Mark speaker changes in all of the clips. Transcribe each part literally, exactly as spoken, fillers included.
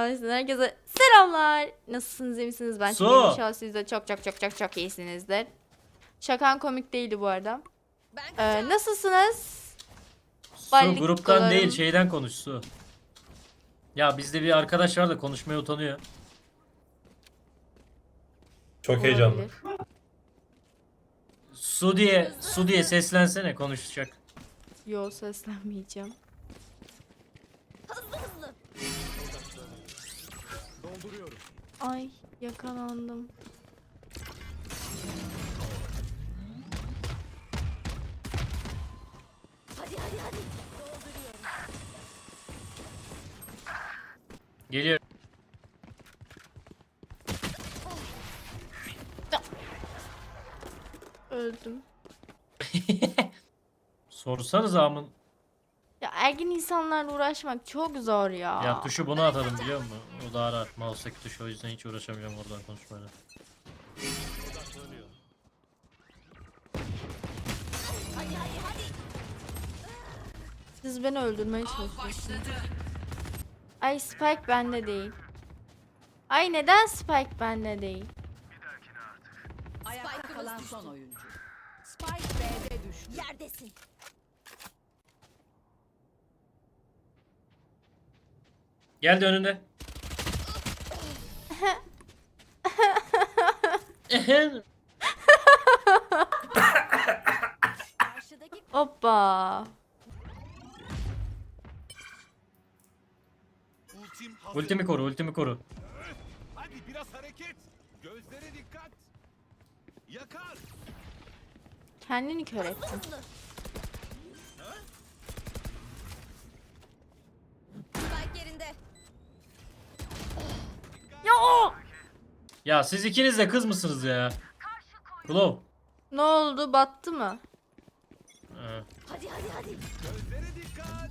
Speaker 1: Kanalımızdan herkese selamlar. Nasılsınız, iyi misiniz? Ben
Speaker 2: Su.
Speaker 1: çok iyiyim. İnşallah siz de çok çok çok çok çok iyisinizdir. Şakan komik değildi bu arada. Ee, nasılsınız?
Speaker 2: Su
Speaker 1: Ballik
Speaker 2: gruptan
Speaker 1: dolarım.
Speaker 2: değil şeyden konuş Su. Ya bizde bir arkadaş var da konuşmaya utanıyor.
Speaker 3: Çok heyecanlı.
Speaker 1: Olabilir.
Speaker 2: Su diye Su diye seslensene konuşacak.
Speaker 1: Yo, seslenmeyeceğim. Ay, yakalandım.
Speaker 4: Hadi hadi hadi.
Speaker 2: Geliyor.
Speaker 1: Öldüm.
Speaker 2: Sorsanız amın.
Speaker 1: Ya ergin insanlarla uğraşmak çok zor ya.
Speaker 2: Ya tuşu bunu atalım biliyor musun? O daha rahat. Mouse'daki tuş, o yüzden hiç uğraşamayacağım oradan konuşmayla.
Speaker 4: Hadi hadi hadi.
Speaker 1: Siz beni öldürmeye çalışıyorsunuz. Ay, Spike bende değil. Ay, neden Spike bende değil?
Speaker 5: Ayakta
Speaker 4: Spike'ımız
Speaker 5: kalan
Speaker 4: düştü.
Speaker 5: son oyuncu. Spike B'de düştü.
Speaker 4: Yerdesin.
Speaker 2: Geldi önünde.
Speaker 4: Karşıdaki
Speaker 1: Hoppa.
Speaker 6: Ultim hazır.
Speaker 2: Ultimi koru, ultimi koru.
Speaker 6: Hadi biraz hareket. Gözlere dikkat. Yakar.
Speaker 1: Kendini kör ettin.
Speaker 4: hızlı. Spike yerinde.
Speaker 1: Ya o!
Speaker 2: Ya siz ikiniz de kız mısınız ya? Glove.
Speaker 1: Ne oldu? Battı mı?
Speaker 2: Ee,
Speaker 4: Hadi hadi hadi.
Speaker 6: Gözlere dikkat.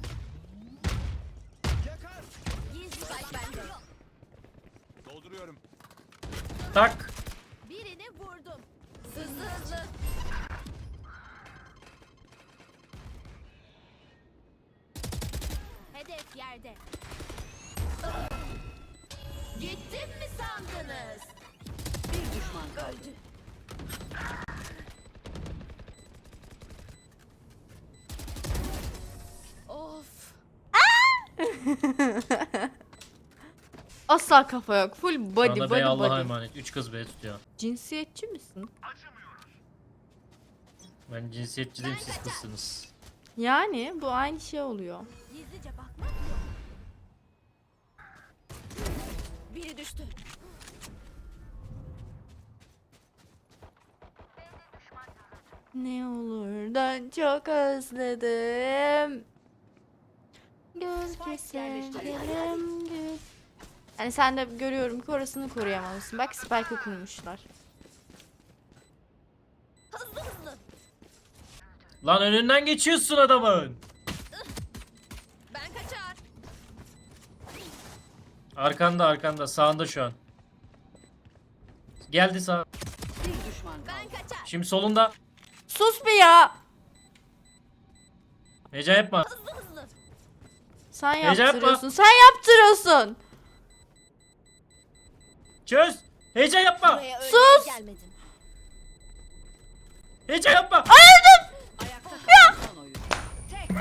Speaker 6: Yakar.
Speaker 4: Gizli spike bende.
Speaker 6: Dolduruyorum.
Speaker 2: tak.
Speaker 4: Birini vurdum. Hızlı hızlı. Hedef yerde. Gittim mi sandınız?
Speaker 5: Bir düşman kaldı.
Speaker 4: Öldü. Of.
Speaker 1: Asla kafa yok. Full
Speaker 2: Şu
Speaker 1: body
Speaker 2: anda
Speaker 1: body
Speaker 2: Bey Allah'a
Speaker 1: body.
Speaker 2: emanet. Üç kız B tutuyor.
Speaker 1: Cinsiyetçi misin?
Speaker 2: Ben cinsiyetçi değilim, siz kızsınız.
Speaker 1: Yani bu aynı şey oluyor.
Speaker 4: Gizlice bakmak yok. Biri düştü.
Speaker 1: Ne olur da çok özledim. Göz keselim göz. Yani sen de görüyorum ki orasını koruyamamışsın. Bak, Spike'ı kurmuşlar.
Speaker 4: Hızlı hızlı.
Speaker 2: Lan önünden geçiyorsun adamın.
Speaker 4: Ben kaçar.
Speaker 2: Arkanda arkanda sağında şu an. Geldi sağ.
Speaker 5: Bir düşman kaldı.
Speaker 4: Ben kaçar.
Speaker 2: Şimdi solunda.
Speaker 1: Sus bir ya.
Speaker 2: Heyecan yapma.
Speaker 4: Hızlı hızlı.
Speaker 1: Sen
Speaker 2: Heyecan
Speaker 1: yaptırıyorsun. Sen yaptırıyorsun.
Speaker 2: Çöz. Heyecan yapma.
Speaker 4: Buraya öyle
Speaker 1: Sus!
Speaker 4: gelmedim.
Speaker 2: Heyecan yapma.
Speaker 5: Ayakta kalan son oyuncu. Tek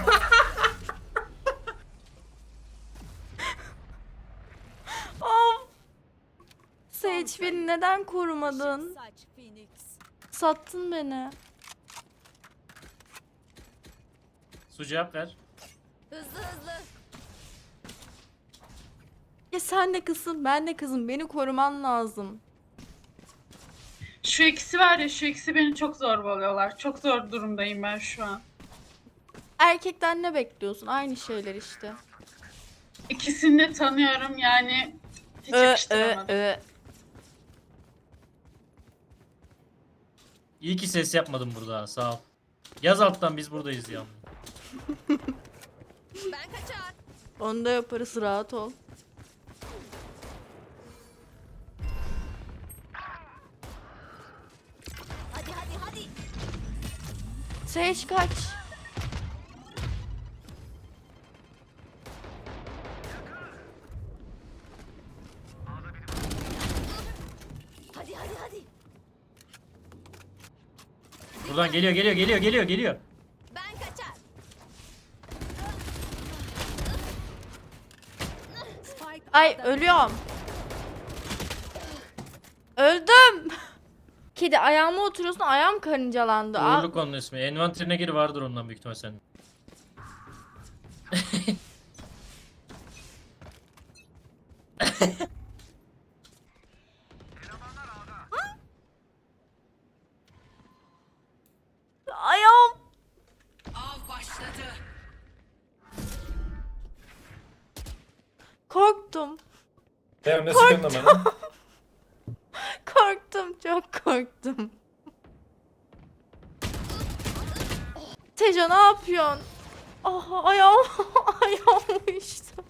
Speaker 1: Of. Sage, beni neden korumadın?
Speaker 4: Saç Phoenix.
Speaker 1: Sattın beni.
Speaker 2: Su cevap ver.
Speaker 4: Hızlı hızlı.
Speaker 1: Ya sen de kızsın, ben de kızım. Beni koruman lazım.
Speaker 7: Şu ikisi var ya, şu ikisi beni çok zorbalıyorlar. Çok zor durumdayım ben şu an.
Speaker 1: Erkekten ne bekliyorsun? Aynı şeyler işte.
Speaker 7: İkisini de tanıyorum yani hiç
Speaker 1: Ö, ö,
Speaker 7: yakıştıramadım.
Speaker 1: ö.
Speaker 2: İyi ki ses yapmadım burada, sağ ol. Yaz alttan, biz buradayız ya.
Speaker 4: Ben kaçar.
Speaker 1: Onu da yaparız, rahat ol.
Speaker 4: Hadi hadi hadi.
Speaker 1: Sage kaç.
Speaker 2: Buradan geliyor geliyor geliyor geliyor geliyor.
Speaker 4: Ben kaçar.
Speaker 5: Spike
Speaker 1: Ay
Speaker 5: A'da
Speaker 1: ölüyorum. Öldüm. Kedi ayağıma oturuyorsun, ayağım karıncalandı. Aa,
Speaker 2: Uğurluk onun ismi. Envanterine gir, vardır ondan büyük ihtimal senin.
Speaker 1: ayağım.
Speaker 5: av başladı.
Speaker 1: Korktum.
Speaker 3: Ya ne sıkıntı bana?
Speaker 1: Korktum, çok korktum. Tejo ne yapıyorsun? Ah ayağım, ayağım uyuştu.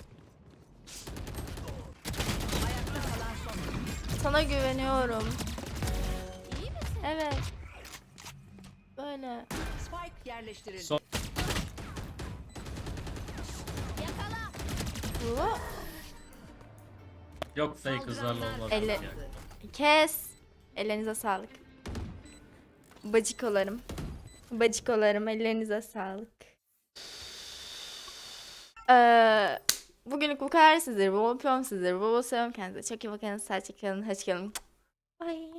Speaker 5: Ayakta kalan son oyuncu.
Speaker 1: Sana güveniyorum.
Speaker 4: İyi misin?
Speaker 1: Evet. Böyle.
Speaker 5: Spike yerleştirildi.
Speaker 2: Son-
Speaker 4: Yakala.
Speaker 1: Bu.
Speaker 2: Yok fake kızlarla olmaz.
Speaker 1: Elle-
Speaker 2: Yani.
Speaker 1: Kes. Ellerinize sağlık. Bacikolarım. Bacikolarım ellerinize sağlık. Ee, bugünlük bu kadar sizleri. Bol öpüyorum sizleri. Bol bol seviyorum kendinize. Çok iyi bakın. Sağ kalın. Hoşçakalın. Bye.